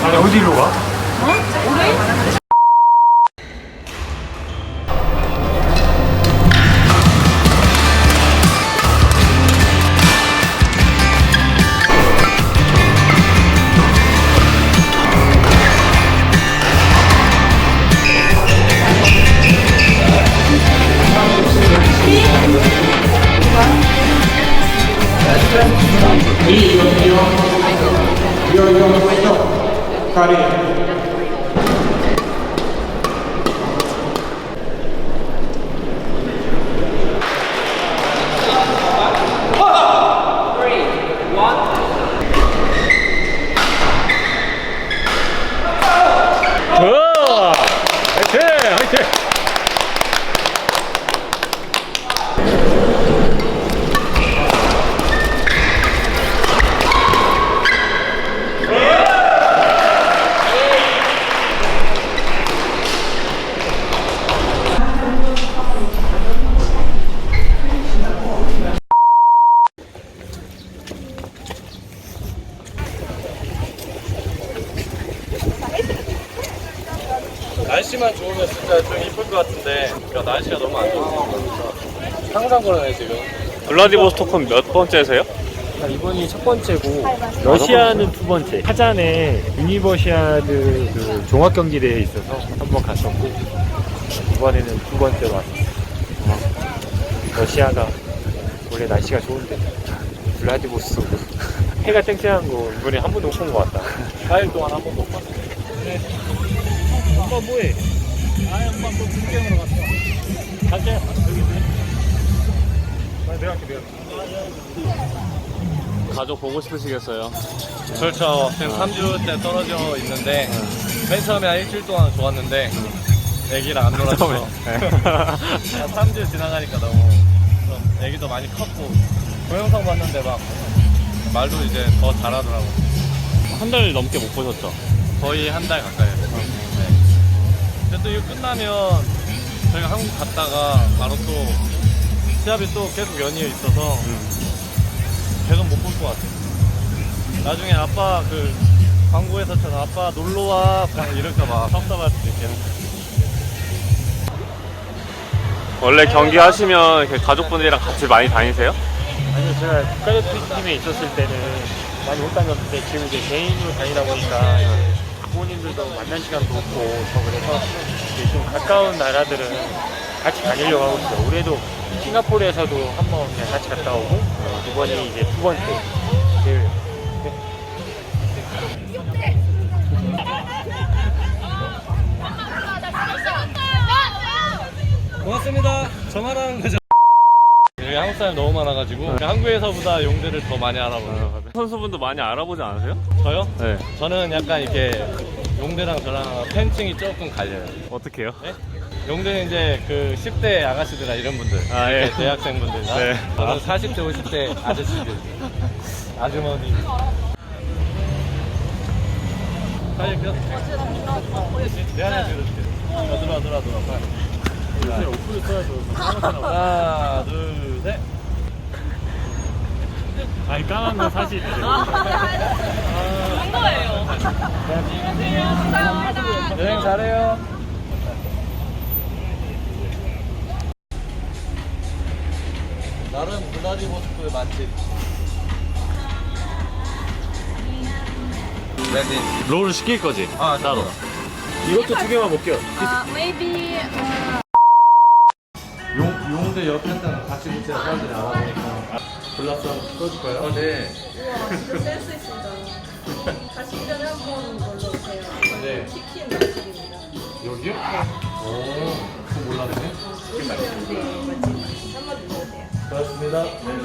아니 어디로 가? 날씨만 좋으면 진짜 좀 이쁠 것 같은데 그러니까 날씨가 너무 안 좋으니까 항상 그러네 지금. 블라디보스토크는 몇 번째세요? 이번이 첫 번째고 러시아는 두 번째. 카잔에 유니버시아드 그 종합 경기 대회에 있어서 한 번 갔었고 이번에는 두 번째 왔어요. 러시아가 원래 날씨가 좋은데 블라디보스토크 해가 쨍쨍한 거 이번에 한 번도 못 본 것 같다. 4일 동안 한 번도 못 봤어. 엄마 뭐해? 아니 엄마 또 중경으로 갔어. 가자. 여기 있네. 내가 할게. 가족 보고 싶으시겠어요? 그렇죠. 지금 3주째 떨어져 있는데 맨 처음에 한 일주일 동안 좋았는데 애기랑 안 놀아줘서 3주 지나가니까 너무 좀 애기도 많이 컸고 동영상 봤는데 막 말도 이제 더 잘하더라고. 한 달 넘게 못 보셨죠? 거의 한 달 가까이 했어요. 네. 근데 또 이거 끝나면 저희가 한국 갔다가 바로 또 시합이 또 계속 연이어 있어서 계속 못 볼 것 같아요. 나중에 아빠 그 광고에서처럼 아빠 놀러와 이럴까봐 섭섭할 수도 있겠네. 원래 경기 하시면 이렇게 가족분들이랑 같이 많이 다니세요? 아니요, 제가 국가대표팀에 있었을 때는 많이 못 다녔는데 지금 이제 개인으로 다니다 보니까 부모님들도 만날 시간도 없고 저 그래서 이제 좀 가까운 나라들은 같이 다니려고 하고 있어요. 올해도 싱가포르에서도 한번 그냥 같이 갔다 오고 이번이 이제 두 번째. 고맙습니다. 저만하는 거죠. 여기 한국 사람이 너무 많아가지고 한국에서보다 용대를 더 많이 알아보네요. 선수분도 많이 알아보지 않으세요? 저요? 네. 저는 약간 이렇게 용대랑 저랑 팬층이 조금 갈려요. 어떻게 해요? 네? 용대는 이제 그 10대 아가씨들이나 이런 분들, 아, 예. 대학생분들이나 네. 저는 40대, 50대 아저씨들, 아주머니. 빨리 그 내 하나 들어줄게. 들어와. 오프를 써야죠. 하나, 둘, 셋. 아니 까만 건 사실 된 거예요. 감사합니다. 여행 잘해요. 나름 블라디보스토크의 맛집. 레디. 롤을 시킬 거지? 따로. 이것도 두 개만 먹게요. Maybe 용대 옆에 있는 같이 붙이는 사람들이 알아보니까. 골랐어. 써줄까요? 네. 이거 센스 있습니다. 가시기 전에 한번 놀러오세요. 네. 치킨 맛집입니다. 여기요? 오, 그거 몰랐네. 오시면 맛집 한번 드셔보세요. 고맙습니다.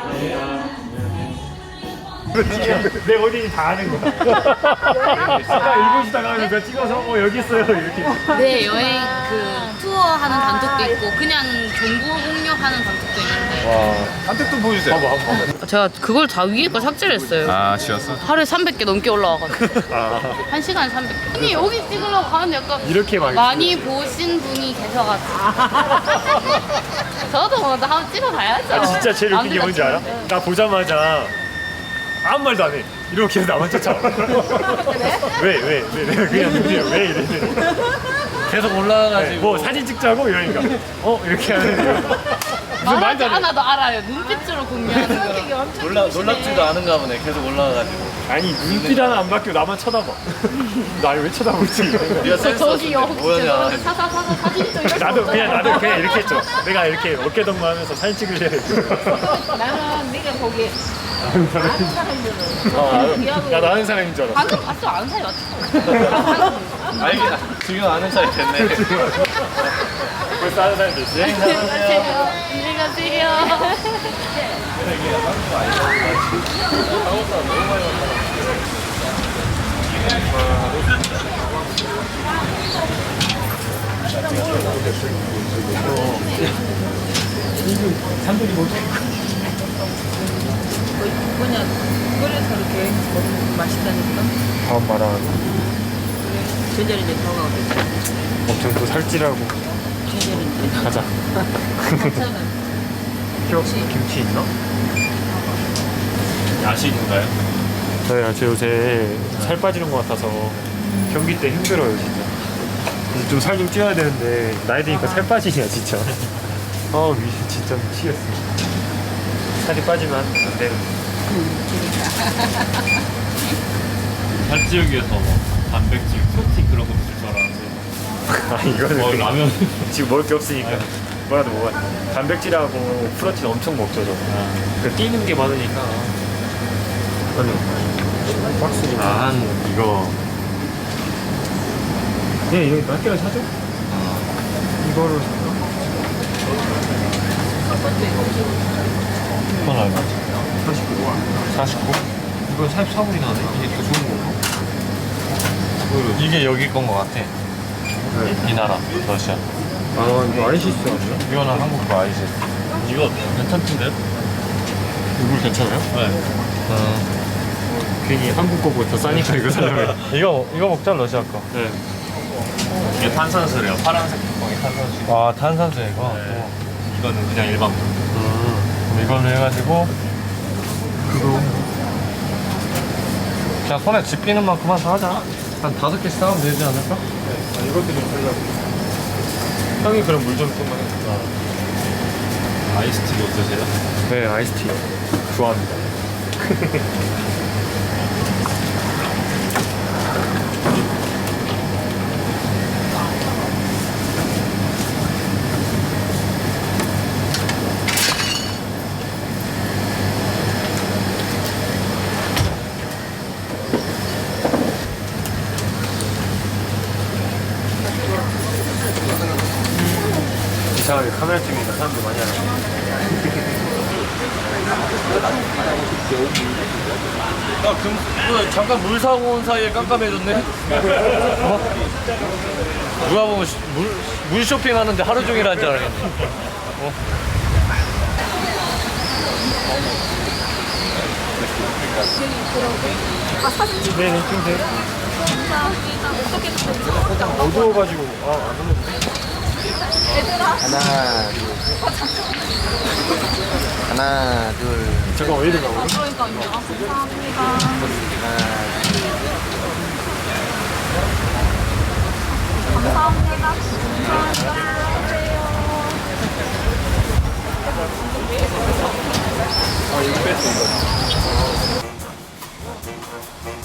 내 어린이 다 아는 거야. 아까 일본 시다가 하니까 찍어서 여기 있어요 이렇게. 네, 여행 그 투어하는 단톡도 있고 그냥 정보 공유하는 단톡도 있는데 한택도 보여주세요. 봐봐. 제가 그걸 다 위에 거 삭제를 했어요. 아, 지웠어? 하루에 300개 넘게 올라와가지고 아, 1시간에 300개. 아니 여기 찍으려고 하는데 약간 이렇게 막 많이 보신 분이 계셔가지고 저도 뭐 한번 찍어봐야죠. 아, 진짜 제일 웃긴 게 뭔지 알아? 네. 나 보자마자 아무 말도 안 해. 이렇게 해서 나만 쫓아와. 왜 그냥 눈이야 왜 이래. 계속 올라가가지고 뭐 사진 찍자고 이러니까 이렇게 하는 거. 무슨 말하지 말도 안 해. 않아도 알아요. 눈빛으로 공유하는 거. 놀랍지도 않은가 보네. 계속 올라가가지고. 아니 눈빛 하나 안 바뀌고 나만 쳐다봐. 날 왜 쳐다보지? 네가 센스 저기 없는데 혹시 뭐냐. 죄송한데 사사사사 사진 좀 이렇게 나도 그냥 이렇게 했죠. 내가 이렇게 어깨동무 하면서 사진 찍으려 했어. 나는 네가 거기 아는 사람들은 나 아는 사람인 줄 알았어. 방금 봤어 아는 사람이 맞죠? 알긴 지금 아는 사이 됐네. 벌써 아는 사람도 있지? 안녕히 가세요. 산들이 못 뭐냐 끓여서 이렇게 먹으면 맛있다니까. 다음 말하는 제자리 이제 더가겠다. 엄청 또 살찌라고 제자리 가자. 김치 있나? 야식인가요? 저 요새 살 빠지는 것 같아서 경기 때 힘들어요 진짜. 좀 살 좀 찌워야 되는데 나이 드니까 살 빠지냐 진짜. 진짜 미치겠어. 살이 빠지면 안 되는. 살찌우기 위해서 뭐 단백질, 프로틴 그런 거 드실 줄 알았는데 이거는 라면 지금 먹을 게 없으니까 뭐라도 먹어야 돼. 단백질하고 프로틴 엄청 먹죠 저. 그 뛰는 게 많으니까. 아니 박스니. 이거 이거 몇 개를 사줘? 이거를 그건 얼마? 49. 49? 이거 44불이 나네. 이게 더 좋은 건가? 이게 여기 건 거 같아. 이 나라 러시아. 이거 아이시스 아니야? 이거는 한국 거 아이시. 이거 괜찮던데요? 이거 괜찮아요? 네. 괜히 한국 거보다 더 싸니까 이거 살려면. 이거 먹자 러시아 거. 네. 이게 탄산수래요. 파란색 뚜껑이 탄산수. 아 탄산수 이거. 네. 이거는 그냥 일반 물. 그럼 이걸로 해가지고 그거 그냥 손에 집히는 만큼만 사자. 한 5개씩 사면 되지 않을까? 이것도 좀 살려고. 형이 그럼 물 좀 좀만 해. 아이스티도 드세요? 네, 아이스티 좋아합니다. 이상하게 카메라 찍으니까 사람들 많이 하네. 잠깐 물 사고 온 사이에 깜깜해졌네. 누가 보면 물 쇼핑하는데 하루 종일 한 줄 알겠네. 네네, 좀 돼. 어두워가지고, 안 오는데? 하나, 둘, 잠깐, 왜 이러나, 우리? 그러니까요. 감사합니다. 감사합니다. 이거 뺐어, 이거.